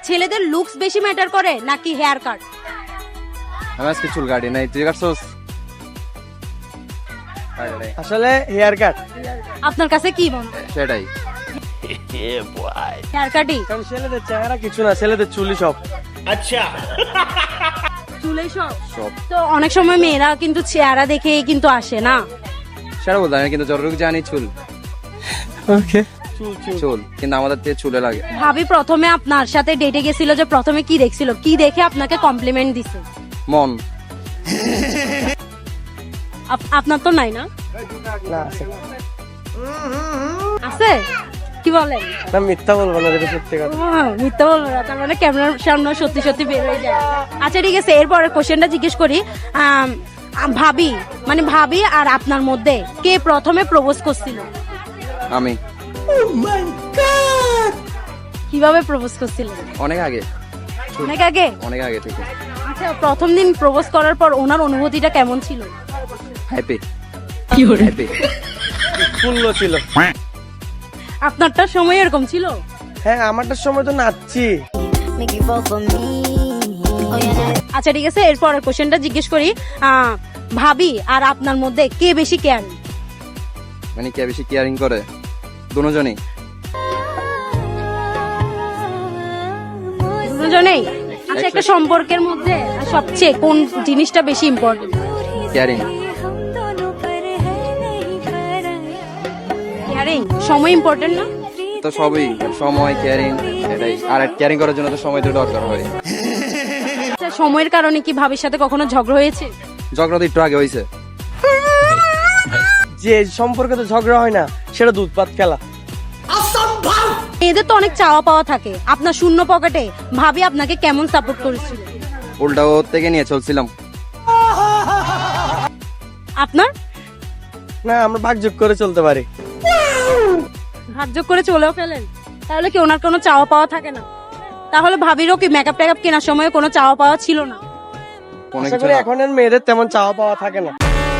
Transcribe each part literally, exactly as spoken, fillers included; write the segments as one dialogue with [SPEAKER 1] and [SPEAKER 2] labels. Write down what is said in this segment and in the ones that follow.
[SPEAKER 1] ছেলেদের লুকস বেশি ম্যাটার করে নাকি হেয়ার কাট?
[SPEAKER 2] আমি আজকে চুল কাটি নাই, তুই কাটছস?
[SPEAKER 3] আসলে হেয়ার কাট।
[SPEAKER 1] আপনার কাছে কি মনে হয়?
[SPEAKER 2] সেটাই।
[SPEAKER 1] হেয়ার কাটই?
[SPEAKER 3] কারণ ছেলেদের চেহারা কিছু না, ছেলেদের চুলই সব।
[SPEAKER 1] চুলেই সব?
[SPEAKER 2] সব।
[SPEAKER 1] তো অনেক সময় মেয়েরা কিন্তু চেহারা দেখেই কিন্তু আসে না।
[SPEAKER 2] সেটা বলতে আমি কিন্তু যতটুকু জানি চুল
[SPEAKER 3] ওকে, চুল চুল
[SPEAKER 2] চুল কিন্তু আমাদের থেকে চুলে লাগে।
[SPEAKER 1] ভাবি প্রথমে আপনার সাথে ডেটে গেছিল, যে প্রথমে কি দেখছিল, কি দেখে আপনাকে কমপ্লিমেন্ট দিছে?
[SPEAKER 2] মন।
[SPEAKER 1] আপ- আপনার তো নাই না?
[SPEAKER 3] না আছে।
[SPEAKER 1] আছে? কি বলেন?
[SPEAKER 3] না মিথ্যা বলবো না, যেটা সত্যি কথা।
[SPEAKER 1] ও, মিথ্যা বলবো না, তার মানে ক্যামেরার সামনে সত্যি সত্যি বের হয়ে যায়। আচ্ছা ঠিক আছে, এরপরের কোশ্চেনটা জিজ্ঞেস করি। আম, আম, ভাবি মানে ভাবি আর আপনার মধ্যে কে প্রথমে প্রপোজ করছিল?
[SPEAKER 2] আমি
[SPEAKER 1] কিভাবে প্রপোজ করছিলেন?
[SPEAKER 2] অনেক আগে,
[SPEAKER 1] অনেক আগে?
[SPEAKER 2] অনেক আগে থেকে।
[SPEAKER 1] আচ্ছা, প্রথম দিন প্রপোজ করার পর ওনার অনুভূতিটা কেমন ছিল?
[SPEAKER 2] হ্যাপি।
[SPEAKER 1] কি
[SPEAKER 2] হ্যাপি।
[SPEAKER 3] ফুল্ল ছিল।
[SPEAKER 1] আপনারটা সময় এরকম ছিল?
[SPEAKER 3] হ্যাঁ, আমারটার সময় তো নাচছি।
[SPEAKER 1] আচ্ছা ঠিক আছে, এরপরের কোশ্চেনটা জিজ্ঞেস করি। আহ, ভাবি আর আপনার মধ্যে কে বেশি কেয়ারিং?
[SPEAKER 2] মানে কে বেশি কেয়ারিং করে? দুজনেই।
[SPEAKER 1] দুজনেই? আচ্ছা, একটা সম্পর্কের মধ্যে সবচেয়ে কোন জিনিসটা বেশি ইম্পর্টেন্ট?
[SPEAKER 2] কেয়ারিং।
[SPEAKER 1] কেয়ারিং? সময় ইম্পর্টেন্ট না?
[SPEAKER 2] তো সবই, সময়, কেয়ারিং, এটাই। আর কেয়ারিং করার জন্য তো সময় তো দরকার হয়।
[SPEAKER 1] আচ্ছা, সময়ের কারণে কি ভাবির সাথে কখনো ঝগড়া হয়েছে?
[SPEAKER 2] ঝগড়া তো একটু আগে হয়েছে।
[SPEAKER 3] যে সম্পর্কে তো ঝগড়া হয় না, সেটা দুধ ভাত খেলা।
[SPEAKER 1] এদের তো অনেক চাওয়া পাওয়া থাকে, আপনার শূন্য পকেটে ভাবি আপনাকে কেমন সাপোর্ট করেছিল?
[SPEAKER 2] উল্টা ওর থেকে নিয়ে চলছিলাম।
[SPEAKER 1] আপনার?
[SPEAKER 3] না, আমরা ভাগযোগ করে চলতে পারি।
[SPEAKER 1] ভাগ্য করে চলেও ফেলেন? তাহলে কি ওনার কোনো চাওয়া পাওয়া থাকে না? তাহলে ভাবিরও কি মেকআপ টেকআপ কেনার সময় কোনো চাওয়া পাওয়া ছিল না?
[SPEAKER 2] কোনো
[SPEAKER 3] আশা
[SPEAKER 2] কিছু
[SPEAKER 3] করি
[SPEAKER 2] না।
[SPEAKER 3] এখনের মেয়েদের তেমন চাওয়া পাওয়া থাকে না।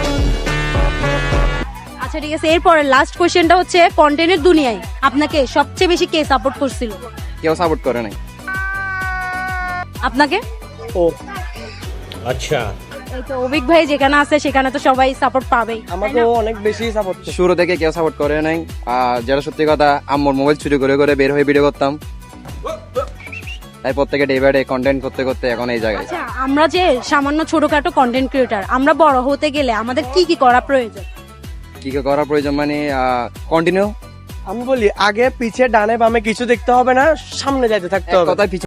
[SPEAKER 1] আচ্ছা ঠিক আছে, এরপরে লাস্ট কোশ্চেনটা হচ্ছে, কন্টেন্টের দুনিয়ায় আপনাকে সবচেয়ে বেশি কে সাপোর্ট করছিল?
[SPEAKER 2] কেউ সাপোর্ট করে নাই।
[SPEAKER 1] আপনাকে?
[SPEAKER 3] ও
[SPEAKER 4] अच्छा
[SPEAKER 1] এই তো অভিক ভাই যেখানে আছে সেখানে তো সবাই সাপোর্ট পাবেই।
[SPEAKER 3] আমাকে ও অনেক বেশি সাপোর্ট করে।
[SPEAKER 2] শুরু থেকে কেউ সাপোর্ট করে নাই। আর যেটা সত্যি কথা, আম্মুর মোবাইল চুরি করে করে বের হয়ে ভিডিও করতাম, তারপর থেকে ডে বাই ডে কন্টেন্ট করতে করতে এখন এই জায়গায়।
[SPEAKER 1] আচ্ছা, আমরা যে সামান্য ছোটখাটো কন্টেন্ট ক্রিয়েটার, আমরা বড় হতে গেলে আমাদের কি কি করা প্রয়োজন?
[SPEAKER 2] কি কি করা প্রয়োজন মানে কন্টিনিউ।
[SPEAKER 3] আমি বলি, আগে পিছে ডানে বামে কিছু দেখতে হবে না, সামনে যাইতে থাকতে হবে।
[SPEAKER 2] কথায়